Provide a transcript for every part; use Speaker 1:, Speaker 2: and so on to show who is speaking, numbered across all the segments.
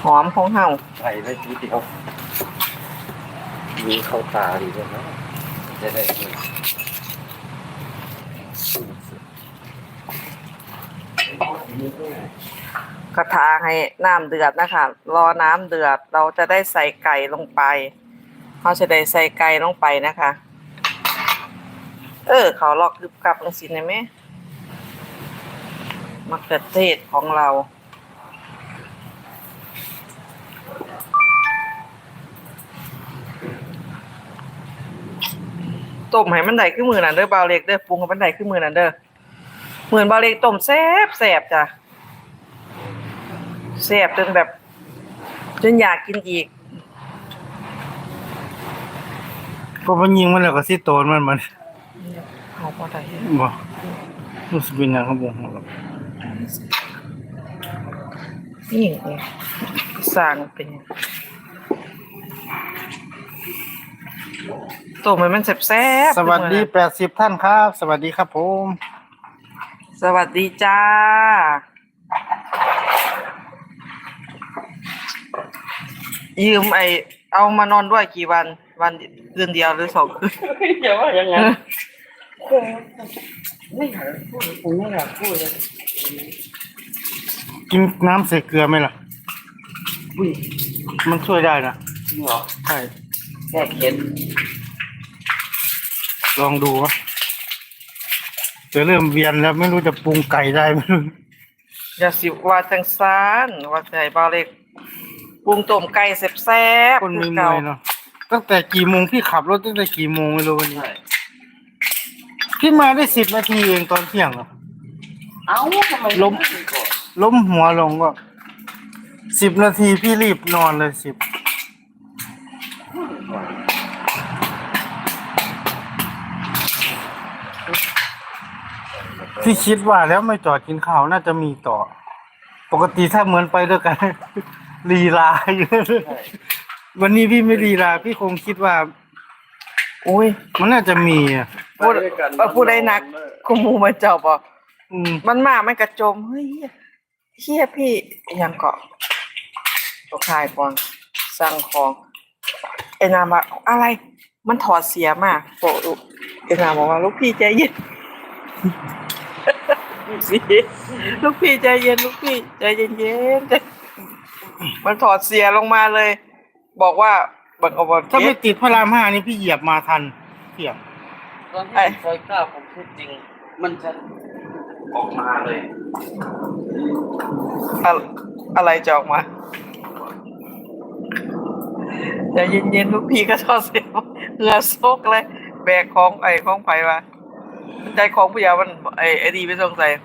Speaker 1: อมของเฮา
Speaker 2: ใส่ได้ทีเดียวมีเข้าตาดีด้วยนะจะได้
Speaker 1: กระทะให้น้ำเดือดนะคะรอน้ำเดือดเราจะได้ใส่ไก่ลงไปเขาจะได้ใส่ไก่ลงไปนะคะเขาลอกกึบกับลงสิได้ไหมมะเขือเทศของเราต้มให้มันได้ขึ้นมือนั่นเด้อเบาเล็กเด้อปรุงให้มันได้ขึ้นมือนั่นเด้อเหมือนเบาเล็กต้มแซ่บแซ่บจ้ะแซ่บจนแบบจนอยากกินอีก
Speaker 3: ก็มันยิงมันแล้วก็สิโตนมัน
Speaker 1: เอาพอได้
Speaker 3: บ่รู้สึกเป็นหยังครับผม
Speaker 1: นี่สร้างเป็นต้มให้มันแซ่บ
Speaker 3: สวัสดี80ท่านครับ สวัสดีครับผม
Speaker 1: สวัสดีจ้ายืมเอามานอนด้วยกี่วันคืนเดียวหรือ2 คืน
Speaker 2: อย่าว่าอย่างนั้นไม่อยากพูดผมไม่อยากพูดเลย
Speaker 3: กินน้ำใส่เกลือไหมล่ะมันช่วยได้นะ
Speaker 2: จริงเหรอ
Speaker 3: ใช่
Speaker 2: แค่เค็ม
Speaker 3: ลองดูวะจะเริ่มเวียนแล้วไม่รู้จะปรุงไก่ได้ไหม
Speaker 1: อย่าสิว่าจังซานว่าใจบ่าวเล็กปรุงต้มไก่แซ่บๆ
Speaker 3: คนมีมวยเนาะตั้งแต่กี่โมงพี่ขับรถตั้งแต่กี่โมงไม่รู้วันนี้พี่มาได้10 นาทีเองตอนเที่ยงเหรอ
Speaker 2: เอ้าทำไม
Speaker 3: ล้มหัวลงก็10 นาทีพี่รีบนอนเลย10พี่คิดว่าแล้วไม่จอดกินข้าวน่าจะมีต่อปกติถ้าเหมือนไปด้วยกันลีลาอยู่วันนี้พี่ไม่ลีลาพี่คงคิดว่า
Speaker 1: โอ้ย
Speaker 3: มันน่าจะมี
Speaker 1: พูดได้นักกูมูมาเจ้าบอกมันมามันกระจมเฮ้ยเฮียพี่ยังเกาะตัวคายก่อนสั่งของนามว่าอะไรมันถอดเสียมากโปะนามบอกว่าลูกพี่ใจเย็นลูกพี่ใจเย็นลูกพี่ใจเย็นมันถอดเสียลงมาเลยบอกว่าบังเอา
Speaker 3: ถ้าไม่ติดพระราม5นี่พี่เหยียบมาทันเที่ยง
Speaker 2: ตอนที่ซอย9ผมพูดจริงมันจะออกมาเลย
Speaker 1: อะไรจะออกมาใจเย็นๆลูกพี่ก็ถอดเสียเหงื่อซกเลยแบกของของไผ่มาใจของผู้ยามันดีไม่ต้องใส่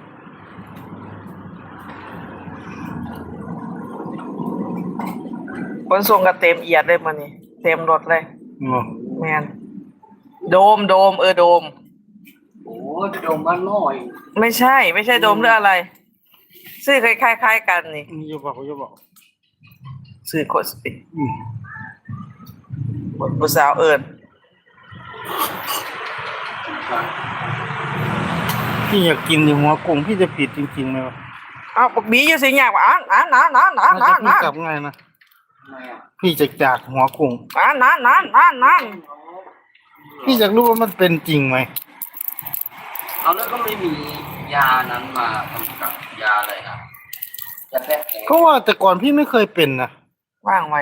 Speaker 1: คนส่งก็เต็มเอียดเลยมันนี่เต็มรถเลยแมนโดมโดม
Speaker 2: โอ้โดมบ้านน้อย
Speaker 1: ไม่ใช่โดมหรืออะไรซื้อคล้ายๆกันนี่
Speaker 3: อย่าบอก
Speaker 1: ซื้อโคสติผู้สาวเอิญ
Speaker 3: พี่อยากกินหัวกุ้งพี่จะผิดจริงๆไหมวะ
Speaker 1: อ้าวบีอยู่สิอยากว่า
Speaker 3: พี่กลับไงนะพี่จะจากหัวกุ้งพี่อยากรู้ว่ามันเป็นจริงไหม
Speaker 2: เอาแล้วก็ไม่มียานั้นมากำกับยาอะไรครับจะแพ้
Speaker 3: ก็ว่าแต่ก่อนพี่ไม่เคยเป็นนะ
Speaker 1: ว่างไว้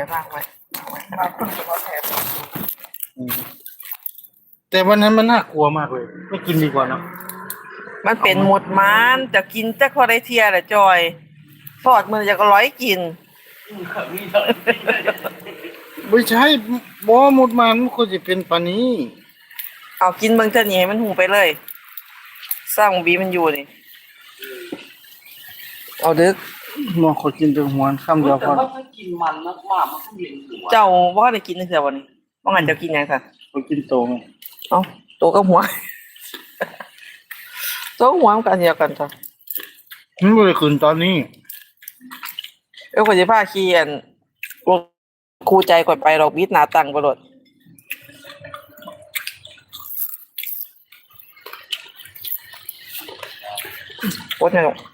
Speaker 3: แต่วันนั้นมันน่ากลัวมากเลยไม่กินดีกว่าเนาะ
Speaker 1: มันเป็นหมดมันจะกินแต่คอได้เทียแหละจอยทอดมือจะก็ร้อยกิน
Speaker 3: ไม่ใช่บ่หมดมันควรจะเป็นปานนี้
Speaker 1: เอากินเบิ่งเท่านี้ให้มันหูไปเลยสร้างบีมันอยู่นี่เอาดึก
Speaker 3: มองเขากินแต่หัวค่ำเดียวพอ
Speaker 2: ถ้ากินมันมากๆมันก็เวียนหัว
Speaker 1: เจ้าว่าได้กินเท่าวันนี้ว่างั้นเจ้ากินยังค่ะ
Speaker 3: เขากินโตไง
Speaker 1: เอ้าโตกับหัวโตหัวกันเดียวกันจ้ะ
Speaker 3: มันบ่ได้ขึ้นตอนนี้
Speaker 1: ก็สิพาขี่ครูใจก่อนไปดอกบิดหน้าตั้งบ่รถโคตรสนุก